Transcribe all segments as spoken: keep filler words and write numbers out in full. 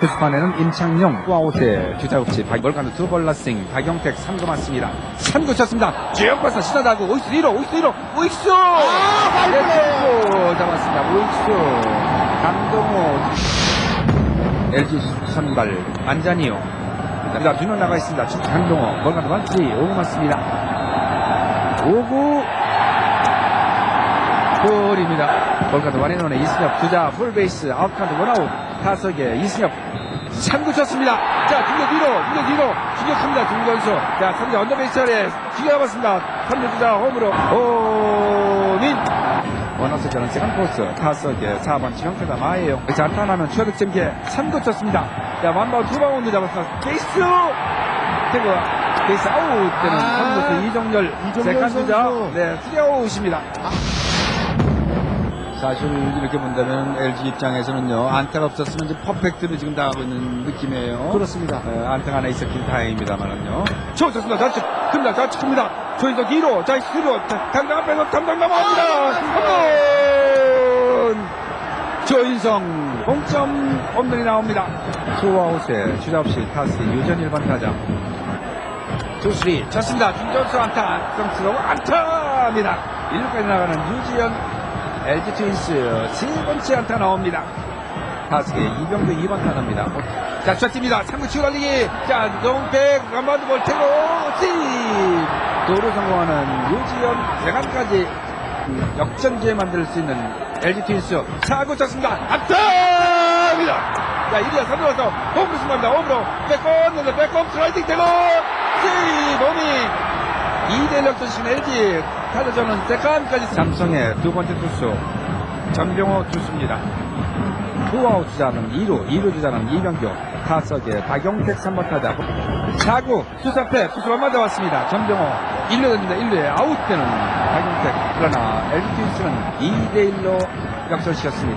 투수판에는 임창용, 투아웃에 주자 없이 멀간도 두볼 러싱, 박용택 삼 구 맞습니다. 삼 구 쳤습니다. 지역발사 시사다고 오익수 일 호, 오익수 일 호, 오익수! 아, 네, 잡았습니다. 오익수, 강동호, 엘지 선발 안자니요. 자, 두 명 나가 있습니다. 강동호, 멀간도 반지, 오 구 맞습니다. 오 구 볼입니다. 볼카드 원앤원의 이승엽 주자 풀베이스 아웃카운트 원아웃 타석에 이승엽 삼 구 쳤습니다. 자 중격 뒤로 중격 뒤로 중격합니다. 중견수 자 삼 자 언더베이스 아래 중격 잡았습니다. 삼 루 주자 홈으로 오민 원아웃 저는 세컨드 코스 타석에 사 번 지명타자 마예요. 자 안타나는 추가 득점기에 삼 구 쳤습니다. 자 완바운 두 바운드 잡았습니다. 베이스 태그 베이스 아웃 때는 아, 삼 루수 이정열 세컨드 주자 네 투아웃입니다. 사실 이렇게 본다면 엘지 입장에서는요 안타가 없었으면 이제 퍼펙트로 지금 나가고 있는 느낌이에요. 그렇습니다. 에, 안타가 하나 있었긴 다행입니다만은요. 저 좋습니다. 좌측 큽니다. 좌측 큽니다. 조인석 이 루 자 수로 당당 앞에서 담당 넘어갑니다. 홈런 조인성 공점 홈런이 나옵니다. 투아웃에 주자 없이 타스 유전 일 번 타자 투쓰리 쳤습니다. 중전수 안타 성스러운 안타입니다. 일 루까지 나가는 유지현 엘지 트윈스 세 번째 안타 나옵니다. 타석에 이병도 이 번 타자입니다. 자, 쳤습니다. 삼 구 치고 달리기. 자, 농백, 간반도 볼테고, 씨! 도루 성공하는 유지현, 세간까지 역전 기회 만들 수 있는 엘지 트윈스 사 구 쳤습니다. 안타입니다. 자, 일 루와 삼 루 와서 홈으로 승부합니다. 홈으로 백홈, 백홈 슬라이딩 되고, 씨! 몸이 이 대 일 역전시킨 엘지 타자전은 세컨까지 삼성의 두 번째 투수 전병호 투수입니다. 투아웃 주자는 이 루, 이 루 주자는 이병규, 타석에 박용택 삼 번 타자 사 구 투수 앞에 투수가 맞아왔습니다. 전병호 일 루 던집니다. 일 루에 아웃되는 박용택. 그러나 엘지 트윈스는 이 대 일로 역전시켰습니다.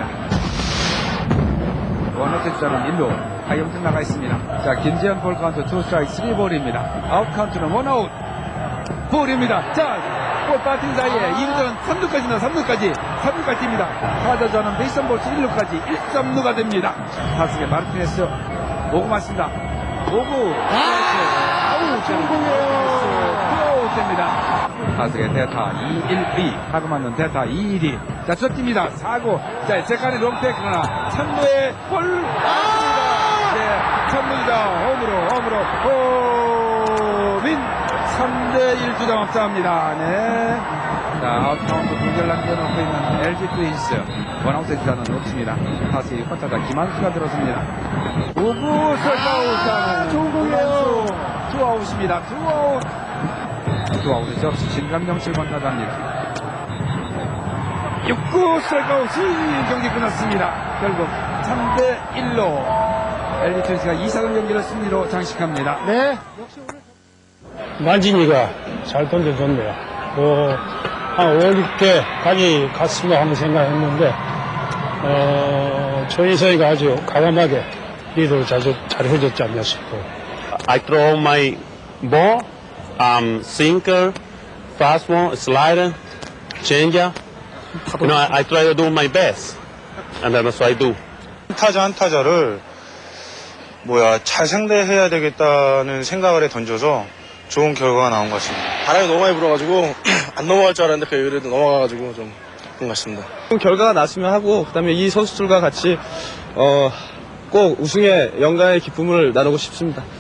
원아웃 주자는 일 루 박용택 나가 있습니다. 자, 김재현 볼 카운트 투 스트라이크 쓰리 볼입니다. 아웃 카운트는 원아웃 볼입니다. 자, 볼 빠진 사이에 이 루전은 삼 루까지나 삼 루까지 삼 루까지 뜁니다. 타자전은 베이스볼 일 루까지 일 삼 루가 됩니다. 타석에 마르티네스 오 구 맞습니다. 오 구 아우 성공이에요. 투아웃 됩니다. 타석에 대타 이 일 이 타구 맞는 대타 이 일 이 자, 저 뜁니다. 사 구 자, 세칸의 롱택 그러나 삼 루에 볼 네, 삼 루자 홈으로 홈으로 호민 삼 대 일 주장 앞서갑니다. 네. 자, 아웃카운트 두 개를 남겨놓고 있는 엘지 트윈스. 원아웃의 주자는 없습니다. 다시 육 번 타자 김한수가 들어섭니다. 오 구 슬라우스하는 좋은 공이에요. 투아웃입니다. 투아웃. 투아웃이 없이 진감영 칠 번 타자입니다. 육 구 슬라우스 경기 끝났습니다. 결국 삼 대 일로 엘지 트윈스가 이 사전 경기를 승리로 장식합니다. 네. 만진이가 잘 던져줬네요. 그, 한 오, 육 개까지 갔으면 하는 생각했는데, 어, 조인성이가 아주 과감하게 리드를 잘, 잘 해줬지 않나 싶고. I throw my ball, um, sinker, fastball, slider, changeup. You know, I, I try to do my best, and that's what I do. 타자 한 타자를 뭐야 잘 상대해야 되겠다는 생각을 해 던져서 좋은 결과가 나온 것 같습니다. 바람이 너무 많이 불어가지고 안 넘어갈 줄 알았는데 그 그래도 넘어가가지고 좀 그런 것 같습니다. 결과가 났으면 하고 그다음에 이 선수들과 같이 어, 꼭 우승의 영광의 기쁨을 나누고 싶습니다.